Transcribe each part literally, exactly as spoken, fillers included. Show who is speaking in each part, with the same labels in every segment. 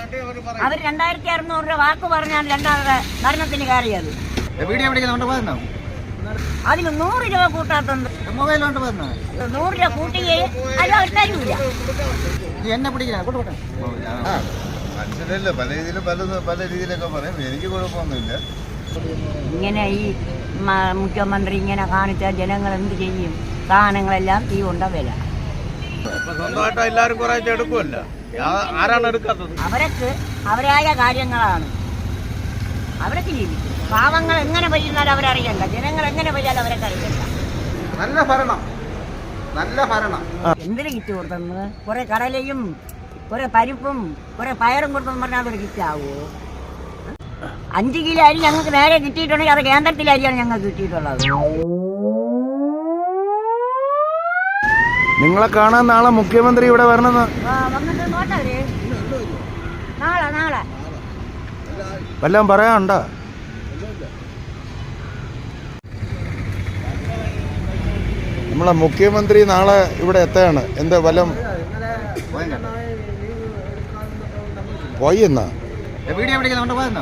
Speaker 1: അവർ രണ്ടായിരത്തി അറുന്നൂറ് രൂപ വാക്ക് പറഞ്ഞാൽ രണ്ടാമത് ഭരണത്തിന് കയറിയത്. അതിന് നൂറ് രൂപ കൂട്ടാത്തത് മൊബൈലോണ്ട് വന്നു നൂറ് രൂപ കൂട്ടുകയും അത് അവർ തരൂല. എന്നെ പിടിക്കില്ല
Speaker 2: മനുഷ്യരല്ല, പല രീതിയിലും പല പല രീതിയിലൊക്കെ പറയും. എനിക്ക് കുഴപ്പമൊന്നുമില്ല.
Speaker 1: ഇങ്ങനെ ഈ മുഖ്യമന്ത്രി ഇങ്ങനെ കാണിച്ചാൽ ജനങ്ങൾ എന്ത് ചെയ്യും? സാധനങ്ങളെല്ലാം തീ കൊണ്ട വില.
Speaker 2: സ്വന്തമായിട്ട് എല്ലാവരും കുറെ എടുക്കുമല്ലോ. ആരാണ് എടുക്കാത്തത്?
Speaker 1: അവർക്ക് അവരായ കാര്യങ്ങളാണ് അവരൊക്കെ ജീവിക്കും. പാവങ്ങൾ എങ്ങനെ പറ്റുന്നാലും അവരറിയണ്ട, ജനങ്ങൾ എങ്ങനെ പറ്റാലും അവരൊക്കെ അറിയണ്ട.
Speaker 3: നല്ല ഭരണം, നല്ല ഭരണം.
Speaker 1: എന്തിനു കിറ്റ് കൊടുത്തെന്ന്? കുറെ കടലയും കുറെ പരിപ്പും കുറെ പയറും കൊടുത്തെന്ന് പറഞ്ഞാൽ അതൊരു കിറ്റാവോ? അഞ്ച് കിലോ അരി ഞങ്ങൾക്ക് നേരെ കിട്ടിയിട്ടുണ്ടെങ്കിൽ അത് കേന്ദ്രത്തിലെ അരിയാണ് ഞങ്ങൾക്ക് കിട്ടിയിട്ടുള്ളത്.
Speaker 3: നിങ്ങളെ കാണാൻ നാളെ മുഖ്യമന്ത്രി ഇവിടെ വരണമെന്ന്
Speaker 1: വന്നിട്ട് നോട്ടവര് നാളെ നാളെ
Speaker 3: വല്ലതും പറയാനുണ്ടോ? നമ്മളെ മുഖ്യമന്ത്രി നാളെ ഇവിടെ എത്തുകയാണ്. എന്താ വല്ലതും പോയി എന്നാ
Speaker 1: വീഡിയോ പിടിക്കുന്നുണ്ട് പോയെന്നോ?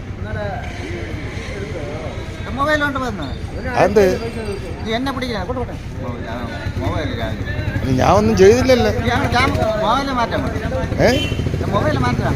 Speaker 1: മൊബൈലോണ്ട് പോയെന്നോ?
Speaker 3: അത്
Speaker 1: എന്നെ പിടിക്കില്ല.
Speaker 3: ഞാൻ ഒന്നും ചെയ്തില്ലല്ലോ.
Speaker 1: മൊബൈല് മാറ്റാൻ
Speaker 3: ഏ
Speaker 1: മൊബൈല് മാറ്റാൻ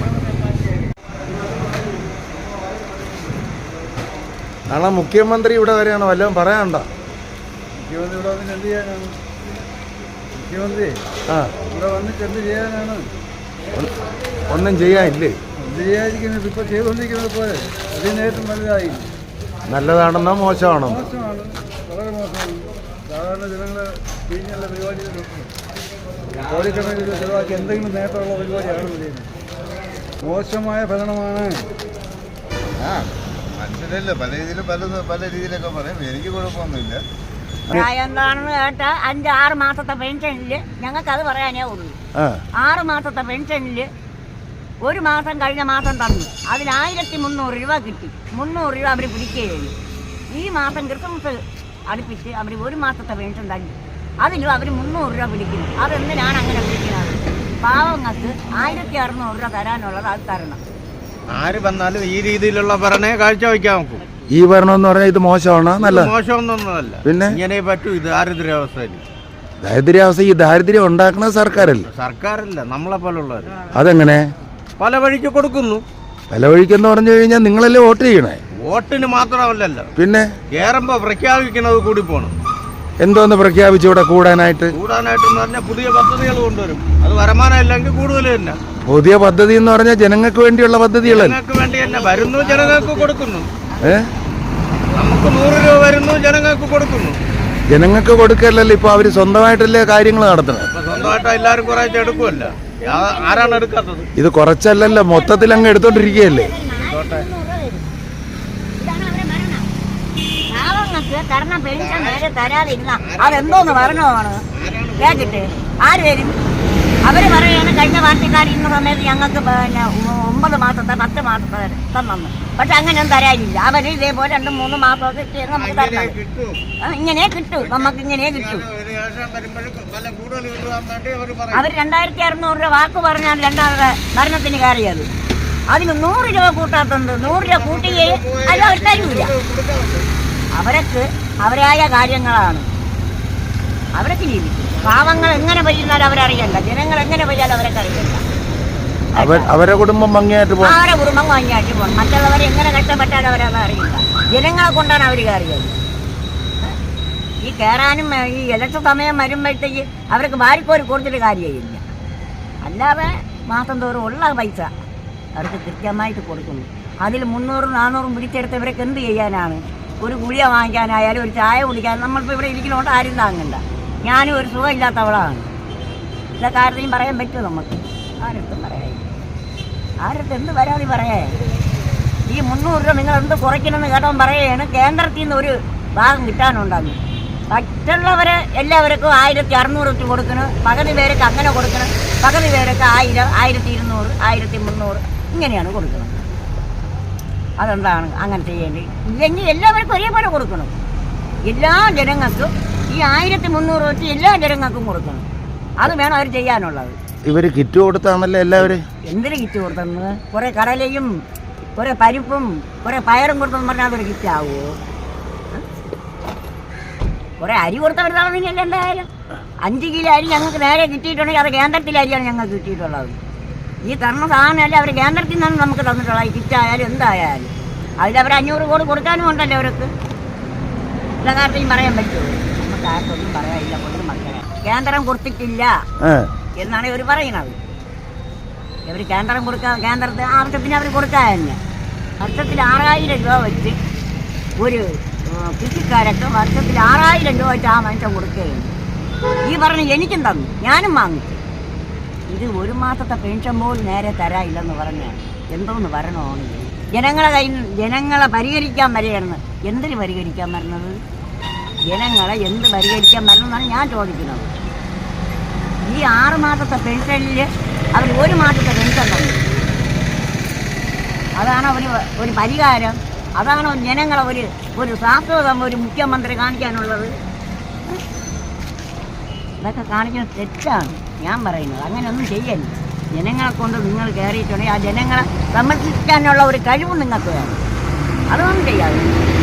Speaker 3: നാളെ മുഖ്യമന്ത്രി ഇവിടെ വരെയാണ്. വല്ലതും പറയാനുണ്ടോ?
Speaker 4: മുഖ്യമന്ത്രി ഇവിടെ വന്നിട്ട് എന്ത് ചെയ്യാനാണ്? മുഖ്യമന്ത്രി
Speaker 3: ആ
Speaker 4: ഇവിടെ വന്നിട്ട് എന്ത് ചെയ്യാനാണ്?
Speaker 3: ഒന്നും ചെയ്യാനില്ലേ?
Speaker 4: എന്ത് ചെയ്യാതിരിക്കുന്നത്? ഇപ്പോൾ ചെയ്തുകൊണ്ടിരിക്കുന്നത് പോലെ അതിനേറ്റവും വലുതായി.
Speaker 3: നല്ലതാണെന്നോ മോശമാണോ?
Speaker 4: മോശമാണ്, വളരെ മോശമാണ്. സാധാരണ ജനങ്ങളെ പിഴിഞ്ഞുള്ള പരിപാടികൾ കോടിക്കണക്കിന് രൂപ ചിലവാക്കി എന്തെങ്കിലും നേട്ടമുള്ള പരിപാടിയാണ് ചെയ്യുന്നത്. മോശമായ ഭരണമാണ്.
Speaker 2: ആ മനുഷ്യരല്ല, പല രീതിയിലും പല പല രീതിയിലൊക്കെ പറയും. എനിക്ക് കുഴപ്പമൊന്നുമില്ല.
Speaker 1: പ്രായം എന്താണെന്ന് കേട്ടാ അഞ്ച് ആറ് മാസത്തെ പെൻഷനില് ഞങ്ങൾക്ക് അത് പറയാനേ ഉള്ളൂ. ആറ് മാസത്തെ പെൻഷനില് ഒരു മാസം കഴിഞ്ഞ മാസം തന്നു. അതിൽ ആയിരത്തി മുന്നൂറ് രൂപ കിട്ടി. മുന്നൂറ് രൂപ അവർ പിടിക്കുകയുള്ളൂ. ഈ മാസം ക്രിസ്മസ് അടുപ്പിച്ച് അവർ ഒരു മാസത്തെ പെൻഷൻ തന്നു. അതിലും അവർ മുന്നൂറ് രൂപ പിടിക്കുന്നു. അതെന്തിനാണ് അങ്ങനെ പിടിക്കുന്നത്? പാവങ്ങൾക്ക് ആയിരത്തി അറുന്നൂറ് രൂപ തരാനുള്ളത് അത് തരണം.
Speaker 2: ആര് വന്നാലും ഈ രീതിയിലുള്ള ഭരണേ കാഴ്ചവെക്കാൻ നോക്കും.
Speaker 3: ഈ ഭരണം എന്ന് പറഞ്ഞാൽ ഇത് മോശമാണ്, നല്ല
Speaker 2: മോശമൊന്നൊന്നുമല്ല.
Speaker 3: പിന്നെ
Speaker 2: ഇങ്ങനെ പറ്റൂ. ഇത് ദാരിദ്ര്യാവസ്ഥയിൽ
Speaker 3: ദാരിദ്ര്യാവസ്ഥ ഈ ദാരിദ്ര്യം ഉണ്ടാക്കുന്നത് സർക്കാരല്ലേ?
Speaker 2: സർക്കാരല്ല, നമ്മളെ പോലുള്ളവർ.
Speaker 3: അതെങ്ങനെ?
Speaker 2: പല വഴിക്ക് കൊടുക്കുന്നു.
Speaker 3: പല വഴിക്കെന്ന് പറഞ്ഞു കഴിഞ്ഞാൽ നിങ്ങളല്ലേ വോട്ട് ചെയ്യണേ?
Speaker 2: വോട്ടിന് മാത്രമല്ലല്ലോ,
Speaker 3: പിന്നെ
Speaker 2: കേറുമ്പോ പ്രഖ്യാപിക്കുന്നത് കൂടി പോണം.
Speaker 3: എന്തോന്ന് പ്രഖ്യാപിച്ചു ഇവിടെ കൂടാനായിട്ട്?
Speaker 2: കൂടാനായിട്ട് പറഞ്ഞാൽ പുതിയ പദ്ധതികൾ കൊണ്ടുവരും. അത് വരുമാനം ഇല്ലെങ്കിൽ കൂടുതൽ തന്നെ.
Speaker 3: പുതിയ പദ്ധതി എന്ന് പറഞ്ഞാൽ ജനങ്ങൾക്ക് വേണ്ടിയുള്ള പദ്ധതികളല്ലേ?
Speaker 2: ജനങ്ങൾക്ക് വേണ്ടി തന്നെ വരുന്നു, ജനങ്ങൾക്ക് കൊടുക്കുന്നു.
Speaker 3: ഏ
Speaker 2: നമുക്ക് നൂറ് രൂപ വരുന്നു, ജനങ്ങൾക്ക് കൊടുക്കുന്നു.
Speaker 3: ജനങ്ങൾക്ക് കൊടുക്കല്ലല്ലോ, ഇപ്പൊ അവര് സ്വന്തമായിട്ടല്ലേ കാര്യങ്ങൾ നടത്തണം.
Speaker 2: സ്വന്തമായിട്ട് എല്ലാവരും കുറെ എടുക്കുമല്ലോ. ആരാണ് എടുക്കാത്തത്?
Speaker 3: ഇത് കുറച്ചല്ലല്ലോ, മൊത്തത്തിൽ അങ്ങ് എടുത്തോണ്ടിരിക്കുകയല്ലേ.
Speaker 1: പാവങ്ങൾക്ക് തരണ പെൻഷൻ നേരെ തരാതിരുന്ന അതെന്തോന്ന് ഭരണമാണ് കേട്ടിട്ട് ആര് വരും? അവര് പറയാണ് കഴിഞ്ഞ പാർട്ടിക്കാരിക്കുന്ന സമയത്ത് ഞങ്ങൾക്ക് പിന്നെ ഒമ്പത് മാസത്തെ പത്ത് മാസത്തെ തന്നു. പക്ഷെ അങ്ങനെയൊന്നും തരാനില്ല. അവര് ഇതേപോലെ രണ്ടും മൂന്നും മാസമൊക്കെ നമുക്ക് തരണം. ഇങ്ങനെ കിട്ടും, നമുക്ക് ഇങ്ങനെ കിട്ടും. അവർ രണ്ടായിരത്തി അറുന്നൂറ് രൂപ വാക്ക് പറഞ്ഞാൽ രണ്ടാമത് ഭരണത്തിന് കയറിയത്. അതിന് നൂറ് രൂപ കൂട്ടാത്തത് നൂറ് രൂപ കൂട്ടുകയും അത് അവർ തരൂല. അവരൊക്കെ അവരായ കാര്യങ്ങളാണ് അവരൊക്കെ ജീവിക്കും. പാവങ്ങൾ എങ്ങനെ പറ്റുന്നാലും അവരറിയണ്ട, ജനങ്ങൾ എങ്ങനെ പറ്റാലും അവരൊക്കെ അറിയണ്ട.
Speaker 3: അവരുടെ കുടുംബം ഭംഗിയായിട്ട് പോകും.
Speaker 1: അവരുടെ കുടുംബം ഭംഗിയായിട്ട് പോകും. മറ്റുള്ളവരെ എങ്ങനെ കഷ്ടപ്പെട്ടാലും അവരത് അറിയില്ല. ജനങ്ങളെ കൊണ്ടാണ് അവർ കയറിയത്. ഈ കയറാനും ഈ ഇലക്ഷൻ സമയം വരുമ്പോഴത്തേക്ക് അവർക്ക് വാരിക്കോരി കൊടുത്തിട്ട് കാര്യമില്ല. അല്ലാതെ മാസം തോറും ഉള്ള പൈസ അവർക്ക് കൃത്യമായിട്ട് കൊടുക്കുന്നു. അതിൽ മുന്നൂറും നാന്നൂറും പിടിച്ചെടുത്ത് ഇവരൊക്കെ എന്ത് ചെയ്യാനാണ്? ഒരു ഗുളിക വാങ്ങിക്കാനായാലും ഒരു ചായ കുടിക്കാൻ നമ്മളിപ്പോൾ ഇവിടെ ഇരിക്കുന്നതുകൊണ്ട് ആരും താങ്ങണ്ട. ഞാനും ഒരു സുഖമില്ലാത്തവളാണ്. എല്ലാ കാര്യത്തെയും പറയാൻ പറ്റുമോ നമുക്ക്? ആരടുത്തും പറയാം. ആരടുത്ത് എന്ത് പരാതി പറയേ? ഈ മുന്നൂറ് രൂപ നിങ്ങൾ എന്ത് കുറയ്ക്കണമെന്ന് കേട്ടവൻ പറയുകയാണ് കേന്ദ്രത്തിൽ നിന്ന് ഒരു ഭാഗം കിട്ടാനുണ്ടാകും. മറ്റുള്ളവരെ എല്ലാവർക്കും ആയിരത്തി അറുന്നൂറ് വെച്ച് കൊടുക്കണം. പകുതി പേരൊക്കെ അങ്ങനെ കൊടുക്കണം. പകുതി പേരൊക്കെ ആയിരം, ആയിരത്തി ഇരുന്നൂറ്, ആയിരത്തി മുന്നൂറ് ഇങ്ങനെയാണ് കൊടുക്കുന്നത്. അതെന്താണ് അങ്ങനെ ചെയ്യേണ്ടത്? ഇല്ലെങ്കിൽ എല്ലാവർക്കും ഒരേപോലെ കൊടുക്കണം. എല്ലാ ജനങ്ങൾക്കും ഈ ആയിരത്തി മുന്നൂറ് വെച്ച് എല്ലാ ജനങ്ങൾക്കും കൊടുക്കണം. അത് വേണം അവർ ചെയ്യാനുള്ളത്.
Speaker 3: ഇവർ കിറ്റ് കൊടുത്താണല്ലോ എല്ലാവരും.
Speaker 1: എന്തിനു കിറ്റ് കൊടുത്തെന്ന്? കുറെ കടലയും കുറെ പരിപ്പും കുറെ പയറും കൊടുത്തെന്ന് പറഞ്ഞാൽ അതൊരു കിറ്റ് ആവുമോ? കുറെ അരി കൊടുത്തവരുതാണെന്നില്ല. എന്തായാലും അഞ്ച് കിലോ അരി ഞങ്ങൾക്ക് നേരെ കിട്ടിയിട്ടുണ്ടെങ്കിൽ അത് കേന്ദ്രത്തിലെ അരിയാണ് ഞങ്ങൾക്ക് കിട്ടിയിട്ടുള്ളത്. ഈ തന്ന സാധനമല്ല അവർ കേന്ദ്രത്തിൽ നിന്നാണ് നമുക്ക് തന്നിട്ടുള്ളത്. ഈ കിറ്റായാലും എന്തായാലും അതിലവർ അഞ്ഞൂറ് കോടി കൊടുക്കാനും ഉണ്ടല്ലോ അവർക്ക്. എല്ലാ കാര്യത്തെയും പറയാൻ പറ്റുമോ? നമുക്ക് ആർക്കൊന്നും പറയാനില്ല. ഒന്നും മക്കളെ കേന്ദ്രം കൊടുത്തിട്ടില്ല എന്നാണ് ഇവർ പറയുന്നത്. ഇവർ കേന്ദ്രം കൊടുക്കാൻ കേന്ദ്രത്തിന് ആവശ്യത്തിന് അവർ കൊടുക്കാൻ തന്നെ വർഷത്തിൽ ആറായിരം രൂപ വെച്ച് ഒരു കൃഷിക്കാരൊക്കെ വർഷത്തിൽ ആറായിരം രൂപ വെച്ച് ആ മനുഷ്യൻ കൊടുക്കുകയാണ്. ഈ പറഞ്ഞ് എനിക്കും തന്നു, ഞാനും വാങ്ങിച്ചു. ഇത് ഒരു മാസത്തെ പെൻഷൻ പോലും നേരെ തരാനില്ലെന്ന് പറഞ്ഞാൽ എന്തോന്ന് വരണോ? ജനങ്ങളെ കയ്യിൽ ജനങ്ങളെ പരിഹരിക്കാൻ വരികയാണെന്ന്. എന്തിന് പരിഹരിക്കാൻ വരുന്നത്? ജനങ്ങളെ എന്ത് പരിഹരിക്കാൻ വരണമെന്നാണ് ഞാൻ ചോദിക്കുന്നത്. ഈ ആറ് മാസത്തെ പെൻഷനിൽ അവർ ഒരു മാസത്തെ പെൻഷൻ തന്നു. അതാണ് ഒരു ഒരു പരിഹാരം? അതാണ് ജനങ്ങളെ ഒരു ഒരു ശാസ്ത്രതം ഒരു മുഖ്യമന്ത്രി കാണിക്കാനുള്ളത്? ഇതൊക്കെ കാണിക്കുന്നത് തെറ്റാണ് ഞാൻ പറയുന്നത്. അങ്ങനെയൊന്നും ചെയ്യല്ല. ജനങ്ങളെ കൊണ്ട് നിങ്ങൾ കയറിയിട്ടുണ്ടെങ്കിൽ ആ ജനങ്ങളെ സംരക്ഷിക്കാനുള്ള ഒരു കഴിവ് നിങ്ങൾക്ക് വേണം. അതൊന്നും ചെയ്യാതെ